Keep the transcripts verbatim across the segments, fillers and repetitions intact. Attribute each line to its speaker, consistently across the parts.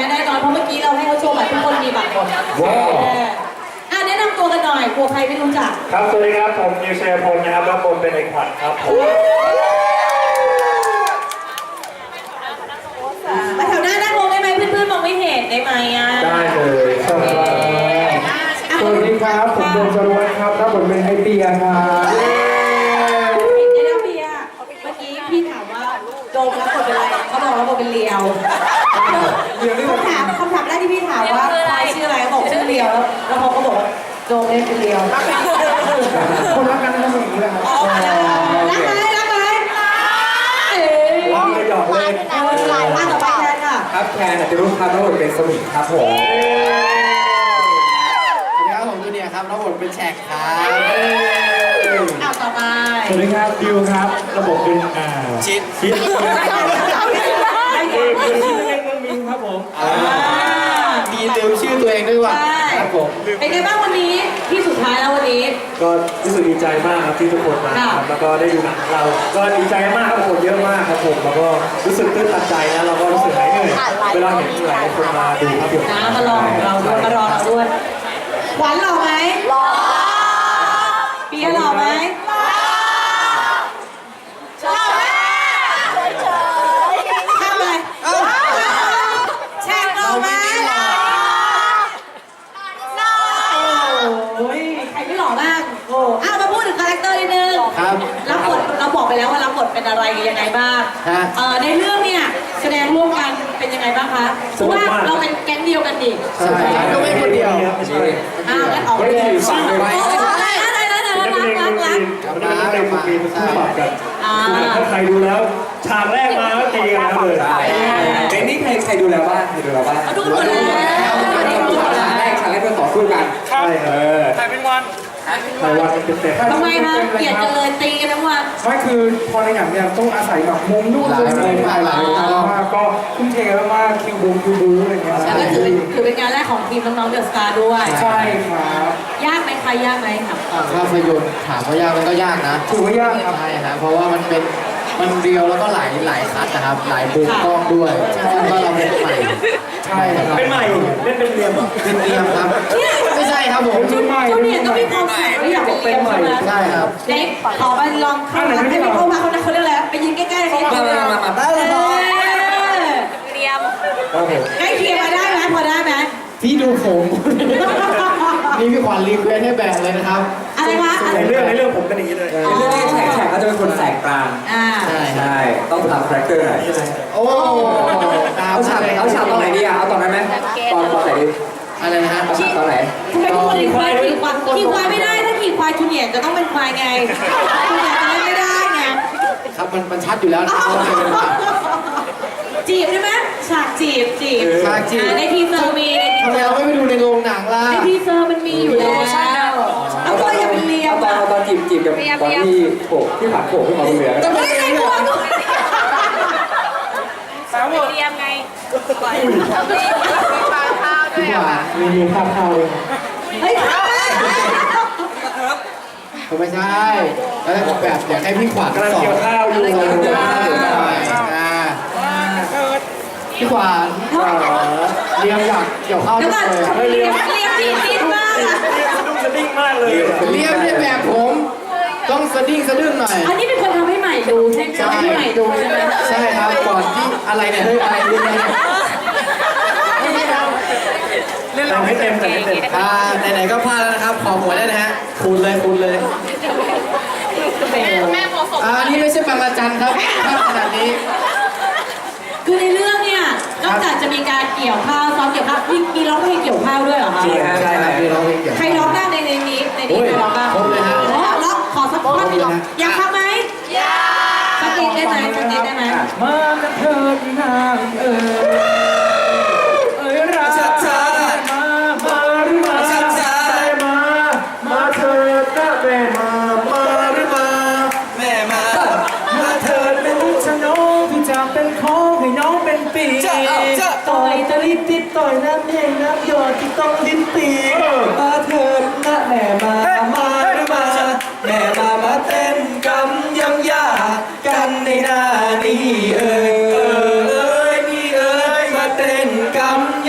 Speaker 1: แน่นอนเพราะเมื่อกี้เราให้เขาโชว์บัตรทุกคนมีบัตรหมดว้าวอ่ะแนะนำตัวกันหน่อยกลัวใครไม่รู้จัก
Speaker 2: ครับสวัสดีครับผมนิวเชียร์พลนะครับรับบทเป็นไอ้ขวัญครับผม
Speaker 1: มาแถวหน้านั่งลงได้ไหมเพื่อนๆมองไม่เห็นได้ไหมอ่ะ
Speaker 2: ได้เลยครับ
Speaker 3: สวัสดีครับผมโดมจรวัฒน์ครับรับบทเป็นไอเปียครับ
Speaker 1: เดี๋ยวเปียเมื่อกี้พี่ถามว่าโดมรับบทเป็นอะไรเขาบอกว่าบทเป็นเลียวคำถามคำถามแรกที่พี่ถามว่าใครชื่ออะไรบอกชื่อเลียวแล้วเขาก็บอกว่าโดมเล่นเป็นเลียว
Speaker 3: คนรักกันก็เป็นอย่างนี้แหละครับ
Speaker 1: รักไหมรักไหมเอ๋
Speaker 2: ว้าวหยอกเล่น
Speaker 1: หลายมากต่อไปแทนค่ะ
Speaker 4: ครับแคนจะรู้ครับรับบทเป็นสมิงครับผม
Speaker 3: สวัสดีครับผมจูเนียร์ครับรับบทเป็นแฉกครับ
Speaker 1: เอาต่อไป
Speaker 2: สวัสดีครับดิวครับระบบเป็นอ่า
Speaker 3: ชิด
Speaker 2: ชิดเอกเป็นชื่อเล่นก็มีครับผม
Speaker 3: มีลืมชื่อตัวเองด้วยว่ะ
Speaker 1: ครับผมเป็นไงบ้างวันนี้ที่สุดท้ายแล้ววันนี้
Speaker 2: ก็รู้สึกดีใจมากครับที่ทุกคนมาครับแล้วก็ได้ดูหนังของเราก็ดีใจมากครับผมเยอะมากครับผมแล้วก็รู้สึกตื้นตันใจนะเราก็รู้สึกหายเหนื่อยเวลาเห็นหลายคนมาดูครับผม
Speaker 1: นะมารอเราด้วยมารอเราด้วยหวานหล่อไหมหล่อเปียหล่อไหมหล่อหล่อแม่ทำอะไรแช่งหล่อไหมหล่อหล่อโอ้ยใครไม่หล่อบ้างโอ้อ้าวมาพูดถึงคาแรคเตอร์นิดนึง
Speaker 3: ครับ
Speaker 1: รับบทเราบอกไปแล้วว่ารับบทเป็นอะไรยังไงบ้างเออในเรื่องเนี่ยแสดงร่วมกันเป็นยังไงบ้างคะเพราะว่าเราเป็นแก๊งเดียวกันดิ
Speaker 3: ใช่ก็ไม่คนเดียว
Speaker 1: อ้าวงั้นออกไปเลยชื่ออะไรอะไรอะไรอะไรรักรักรัก
Speaker 2: วันนี้เราเป็นปีเป็นคู่ปรับกันถ้าใครดูแล้วฉากแรกมาก็ตีกันเลย
Speaker 4: เป็นนี่ใครใครดูแล้วบ้างใครดูแล้วบ้าง
Speaker 1: ดูหมดแล้ว
Speaker 4: ฉากแรกฉากแรกเพื่อต่อสู้กัน
Speaker 2: ใช่เออใครเป็นวันใครวันเป็นเต็ม
Speaker 1: ทำไมคะเกลียดกันเลยตีกันทั้งวัน
Speaker 3: ไม่คือพอในอย่างเนี้ยต้องอาศัยแบบมุมนู่นมุมนี่หลายหลายมากก็ทุ่มเทมากคิวบูคิวบูอะไรเงี้ย
Speaker 1: แล้วก็ถือเป็นถือเป็นงานแรกของทีมน้องๆเดอะสตาร์ด้วย
Speaker 3: ใช่ครับ
Speaker 1: ยากไหมคะยากไหมครับ
Speaker 5: ภาพยนตร์ถามว่ายากมันก็ยากนะ
Speaker 3: ถือว่ายากครับ
Speaker 5: ใช่ครับเพราะว่ามันเป็นมันเรียวแล้วก็หลายหลายคัทนะครับหลายมุมกล้องด้วยซึ่งก็เราเป็นใหม่
Speaker 3: ใช่ครับ
Speaker 2: เป็นใหม่เล่นเป็นเรียม
Speaker 5: เป็นเรียมครับไม่ใช่ครับผม
Speaker 1: จุดจุดเนี่ยก็มีความแข็งไม่อยากเป็นใหม่
Speaker 5: ใช่ครับ
Speaker 1: เด็กขอไปลองเข้ามาให้เข้ามาเขาเขาเรียกอะไรไปยืนใกล้ๆเขา
Speaker 5: มามามาได้เลย
Speaker 1: เรียมใกล้เคียงมาได้ไหมพอได้ไหม
Speaker 5: พี่ดูผมนี่พี่ขวัญรีเควสให้แบ่งเลยนะครับ
Speaker 1: อะไรวะ
Speaker 2: ในเรื่องในเรื่องผมเป็นอย่างนี้เลย
Speaker 4: ในเรื่องนี้แฉกแฉกก็จะเป็นคนแสกกลาง
Speaker 5: ใช่
Speaker 4: ใช่ต้องตามคาแรคเตอร์หน่อย
Speaker 5: โอ้
Speaker 4: เอาฉากเอาฉากตอนไหนดีอะเอาตอนนั้นไหมตอนตอนไหนดี
Speaker 5: อะไรนะฮะ
Speaker 4: เอาฉากตอนไหน
Speaker 1: ทำไมต้องขี่ควายขี่ควายขี่ควายไม่ได้ถ้าขี่ควายจูเนียร์จะต้องเป็นควายไงจูเนียร์จะเล่นไม่ได้ไง
Speaker 5: ครับมันมันชัดอยู่แล้วนะ
Speaker 1: จีบใช่ไหมฉากจีบจีบ
Speaker 5: ฉากจีบ
Speaker 1: ในทีเซอร์มีในที
Speaker 5: เซอร์ทำไมเราไม่ไปดูในโรงหนังล่ะ
Speaker 1: ในทีเซอร์มันมีอยู่แล้วเอาตัวอย่าเป็นเลียม
Speaker 4: ตอนตอนจีบจีบกับตอนที่โผล่ที่ผ่านโผล่ขึ้นมาบนเรือ
Speaker 1: แต่ไม่ใช่ตัวกู
Speaker 4: สาว
Speaker 1: เลียมไง
Speaker 3: ดีกว่ามีมีภาพเข้าเลย
Speaker 1: เฮ้ย
Speaker 5: ผมไม่ใช่แล้วแบบอยากให้พี่ขวัญ
Speaker 2: กำลังเกี่ยวข้าวอยู่
Speaker 5: พี่ขวัญเรียมอยากเกี่ยวข้าว
Speaker 1: เลยเรียมเรียมดีดิ้นมากอะ
Speaker 2: เรียมสะดุ้งสะดิ้งมากเลย
Speaker 5: เรียมเนี่ยแบบผมต้องสะดิ้งสะดึ้งหน่อย
Speaker 1: อันนี้เป็นคนทำให้ใหม่ดูใช่ไหมให้ใหม่ดูใช่ไหม
Speaker 5: ใช่ครับก่อนที่อะไรเนี่ยเฮ้ยอะไรเรื่องนี้
Speaker 2: เล่นเราไม่เต็มแต่ไม่เต็ม
Speaker 5: อ่าไหนๆก็พลาดแล้วนะครับขอหวยได้นะฮะคูณเลยคูณเลย
Speaker 1: แม่พอสม
Speaker 5: อ่านี่ไม่ใช่บางระจันครับภาพขนาดนี้
Speaker 1: คือในเรื่องเนี่ยนอกจากจะมีการเกี่ยวข้าวซ้อมเกี่ยวข้าวมีมีร้องเพลงเกี่ยวข้าวด้วยเหรอคะ
Speaker 5: ใช่ครับมีร้องเพลงเกี่ยว
Speaker 1: ใครร้องบ้างในในนี้ในนี้ใครร้องบ้าง
Speaker 5: ผมเลยฮะ
Speaker 1: ร้องขอสักท่อนอยากทำไหมอยากสักนิดได้ไหมสักนิดได้ไหม
Speaker 3: มากันเถิดนางเอ๋ยเอ๋ยรักมามาหรือมามามาเถิดนะแม่มามาหรือมา
Speaker 5: แม่มา
Speaker 3: มาเถิดเป็นชะน้องที่จะเป็นของให้น้องเป็นปีต่อยตะลิดติดต่อยน้ำแห้งน้ำหยดที่ต้องลิ้นปีมาเถิดนะแม่มามาหรือมา
Speaker 5: แม่มามาเต้นกำยังยากันในหน้านี้เอ่ยเอ่ยนี่เอ่ยมาเต้นกำ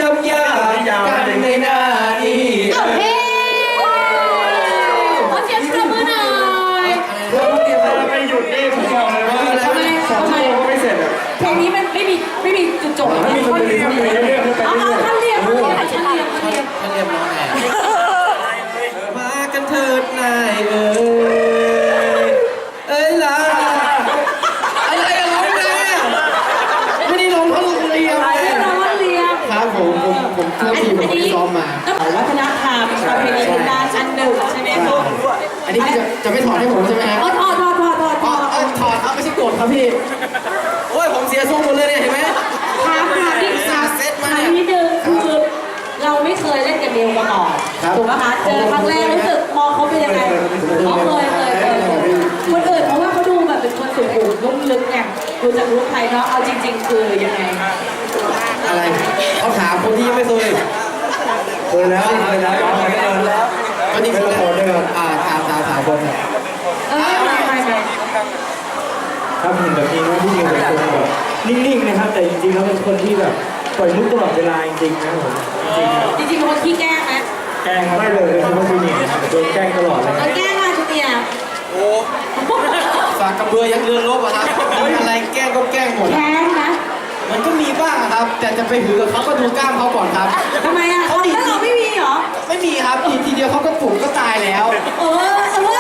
Speaker 1: ก
Speaker 2: ถ้ามีคนเรียนไปเรื่อยๆไป
Speaker 1: เอา
Speaker 2: เรื่อย
Speaker 1: ท่านเรียนท่านเรียนท่านเรียนท่านเรียน
Speaker 5: ท่านเรียบร้อยแน่
Speaker 3: มากันเถิดนายเอ้ยเอ้ยล่ะอะไรกันร้องไงอ่ะไม่ได้ร้องท่อนเรียม
Speaker 1: เรียนเราว่าเรียน
Speaker 5: ครับผมผมผมทุกทีผมไม่ได้ซ้อมมา
Speaker 1: วัฒนธรรมประเพณีพื้นบ้านอันหนึ่งใช่ไหมคะ
Speaker 5: อันนี้จะจะไม่ถอดให้ผมใช่ไหมครับ
Speaker 1: อ๋อถอดถอดถอดถอดถ
Speaker 5: อ๋อ
Speaker 1: อด
Speaker 5: เอ้ยถอดครับไม่ใช่โกรธครับพี่
Speaker 3: โอ้ยผมเสียทรงหมดเลยเนี่ยเห็นไหม
Speaker 1: ถามถามนิดถามถามนิดนึงคือเราไม่เคยเล่นกับเบลมาก่อนถูกไหมคะเจอครั้งแรกรู้สึกมองเขาเป็นยังไงอ๋อเคยเคยเคยคนอื่นเพราะว่าเขาดูแบบเป็นคนสุขุมนุ่มลึกไงดูจากรูปไทยเนาะเอาจริง ๆ คือยังไง
Speaker 5: อะไรเขาถามคนที่ยังไม่เคย
Speaker 2: เคยแล้วเคยแล้วเคยแล้ว
Speaker 5: ก็นี่คืออ่าถามถามถามคนเนี่ย
Speaker 1: เออไม่ไม่ไม่
Speaker 2: ครับเห็นแบบนี้นะพี่นิวเป็นคนแบบนิ่งๆนะครับแต่จริงๆแล้วเป็นคนที่แบบปล่อยมุกตลอดเวลาจริงๆนะผมจริง
Speaker 1: จริงๆเป็นคนขี้แกล้งไหม
Speaker 2: ๆแกล้งไม่เลยเป็นคนที่นี่โดนแกล้งตลอดเลย
Speaker 1: เราแกล้งมาชุดเนี่ย
Speaker 5: โอ้ฝากกระเบือยังเรือนลบอะครับมีอะไรแกล้งก็แกล้งหมด
Speaker 1: แค้นนะ
Speaker 5: มันก็มีบ้างอะครับ แต่จะไปถือกับเขาก็ดูกล้ามเขาก่อนครับ
Speaker 1: ทำไมอ่ะเขาแล้วเราไม่มีเหรอ
Speaker 5: ไม่มีครับทีทีเดียวเขาก็ปลุกก็ตายแล้ว
Speaker 1: เออเออ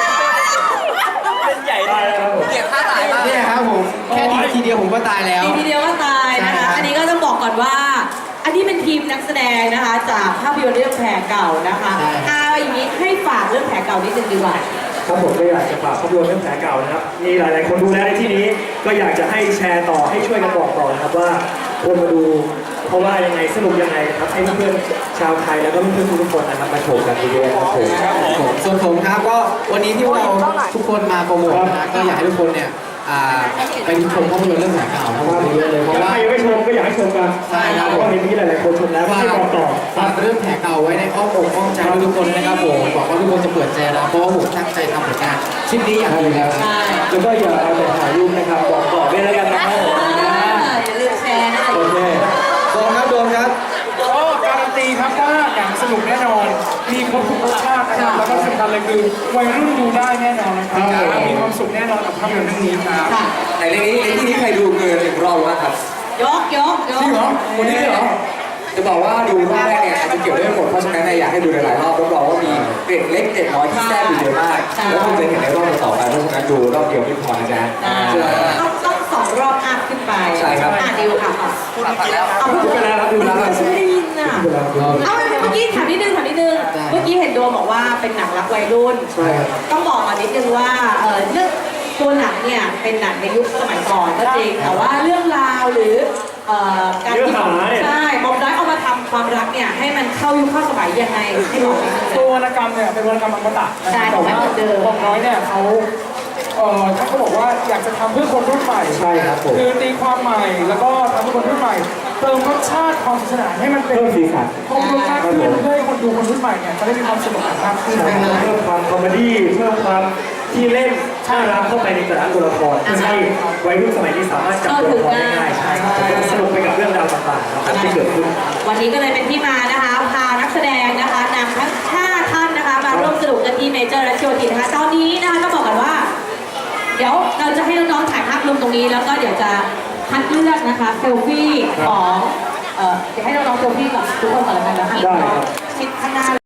Speaker 2: ได้แล้วครับผม
Speaker 4: เกลียดท่าตายมาก
Speaker 5: เนี่ยครับผมแค่ทีทีเดียวผมก็ตายแล้ว
Speaker 1: ทีทีเดียวก็ตายนะคะ อันนี้ก็ต้องบอกก่อนว่า อันนี้เป็นทีมนักแสดงนะคะ จากภาพยนตร์เรื่องแผลเก่านะคะเอาอย่างนี้ให้ฝากเรื่องแผลเก่านิดนึงดีกว่า
Speaker 2: ครับผมก็อยากจะฝากภาพยนตร์เรื่องแผลเก่านะครับมีหลายๆคนดูแล้วในที่นี้ก็อยากจะให้แชร์ต่อให้ช่วยกันบอกต่อนะครับว่าควรมาดูเพราะว่ายังไงสนุกยังไงครับให้เพื่อนๆชาวไทยแล้วก็เพื่อนๆทุกคนนะครับมาชมกันดีด้วยครับผม
Speaker 5: ผมส่วนผมครับก็วันนี้ที่พวกเราทุกคนมาโปรโมทนะก็อยากให้ทุกคนเนี่ยอ่าไปชมภาพยนตร์เรื่องแผลเก่าเพราะว่าเยอะเลยเพราะ
Speaker 2: ถ้า
Speaker 5: ว่า
Speaker 2: ใครยังไม่ชมก็อยากให้ชมกัน
Speaker 5: ใช่ครับ
Speaker 2: เพราะว่าเห็นมีหลายๆคนชมแล้วก็
Speaker 5: ฝาก
Speaker 2: ให้บอกต่อ
Speaker 5: ฝากเรื่องแผลเก่าไว้ในอ้อมอกอ้อมใจทุกคนนะครับผมบอกว่าทุกคนจะเปิดใจนะเพราะว่าผมตั้งใจทำผลงานชิ้นนี้อย่างดีแล้ว
Speaker 1: ใช่
Speaker 2: แล้วก็อย่าเอาแต่ถ่ายรูปนะครับบอกต่อด้วยแล้วกันนะครับผม
Speaker 1: อย่าลืมแชร์นะคะ
Speaker 2: โอเค
Speaker 3: โดนครับโดนครับ
Speaker 6: ก็การันตีครับว่าหนังสนุกแน่นอน มีครบทุกรสชาตินะครับ แล้วก็สำคัญเลยคือวัยรุ่นดูได้แน่นอนนะครับ มีความสุขแน่นอนกับภาพยนตร์เรื่องนี้ครับ
Speaker 1: ค่ะ
Speaker 4: ในเรื่องนี้ในที่นี้ใครดูเกินหนึ่งรอบบ้างครับ
Speaker 1: ยกยกยก
Speaker 4: จริงเหรอคนนี้เหรอ จะบอกว่าดูรอบแรกเนี่ยอาจจะเกี่ยวได้หมดเพราะฉะนั้นเนี่ยอยากให้ดูหลายๆรอบรับรองว่ามีเกร็ดเล็กเกร็ดน้อยที่แทรกอยู่เยอะมาก แล้วคุณจะเห็นในรอบต่อไปเพราะฉะนั้นดูรอบเดียวไม่พอนะจ๊ะเชื่อ
Speaker 1: ต้องต้องสองรอบอัพขึ้นไป
Speaker 4: ใช่ครับ
Speaker 1: อ่ะดิวค่ะ
Speaker 4: พูดไปแล้ว
Speaker 1: เอาพูด
Speaker 2: ไปแล้วครับดูแล้วครับ
Speaker 1: ฉันไม่ได้ยินอ่ะ เอาเมื่อกี้ถามนิดนึงถามนิดนึง เมื่อกี้เห็นโดมบอกว่าเป็นหนังรักวัยรุ่น
Speaker 2: ใช่ครับ
Speaker 1: ต้องบอกมานิดนึงว่าเออเรื่องตัวหนังเนี่ยเป็นหนังในยุคสมัยก่อนก็จริง แต่ว่าเรื่องราวหรือเอ่อการที่ใช่บอมด้อยเอามาทำความรักเนี่ยให้มันเข้ายุคเข้าสมัยยังไงให้บอกนิดนึง
Speaker 6: ตัววรรณกรรมเนี่ยเป็นวรรณกรรมอมตะนะ
Speaker 1: ใช่
Speaker 6: ครับแต่ว่า
Speaker 1: เหมือนเดิม
Speaker 6: บอมน้อยเนี่ยเขาเอ่อท่านก็บอกว่าอยากจะทำเพื่อคนรุ่นใหม่
Speaker 2: ใช่ครับผม
Speaker 6: คือตีความใหม่แล้วก็ทำเพื่อคนรุ่นใหม่ เติมรสชาติความสนุกสนานให้มันเป็น
Speaker 2: เพิ่มสีสัน
Speaker 6: ครบรสมากขึ้นเพื่อให้คนดูคนรุ่นใหม่เนี่ยจะได้มีความสนุกมากขึ้น
Speaker 2: เพิ่มความคอมเมดี้เพิ่มความที่เล่นน่ารักเข้าไปในแต่ละตัวละครเพื่อให้วัยรุ่นสมัยนี้สามารถจับตัวละครได้ง่ายใช่ครับแล้วก็สนุกไปกับเรื่องราวต่างๆนะครับที่เกิดขึ้น
Speaker 1: วันนี้ก็เลยเป็นที่มานะคะพานักแสดงนะคะนำทั้งห้าท่านนะคะมาร่วมสนุกกันที่เมเจอร์และโชว์ทีนะคะตอนนี้นะคะก็บอกกันว่า เดี๋ยวเราจะให้น้องๆถ่ายภาพรวมตรงนี้แล้วก็เดี๋ยวจะคัดเลือกนะคะเซลฟี่ของเอ่อเดี๋ยวให้น้องๆเซลฟี่กับทุกคนก่อนแล้วกันนะคะ
Speaker 2: ได้ครับ
Speaker 1: ชิดข้างหน้า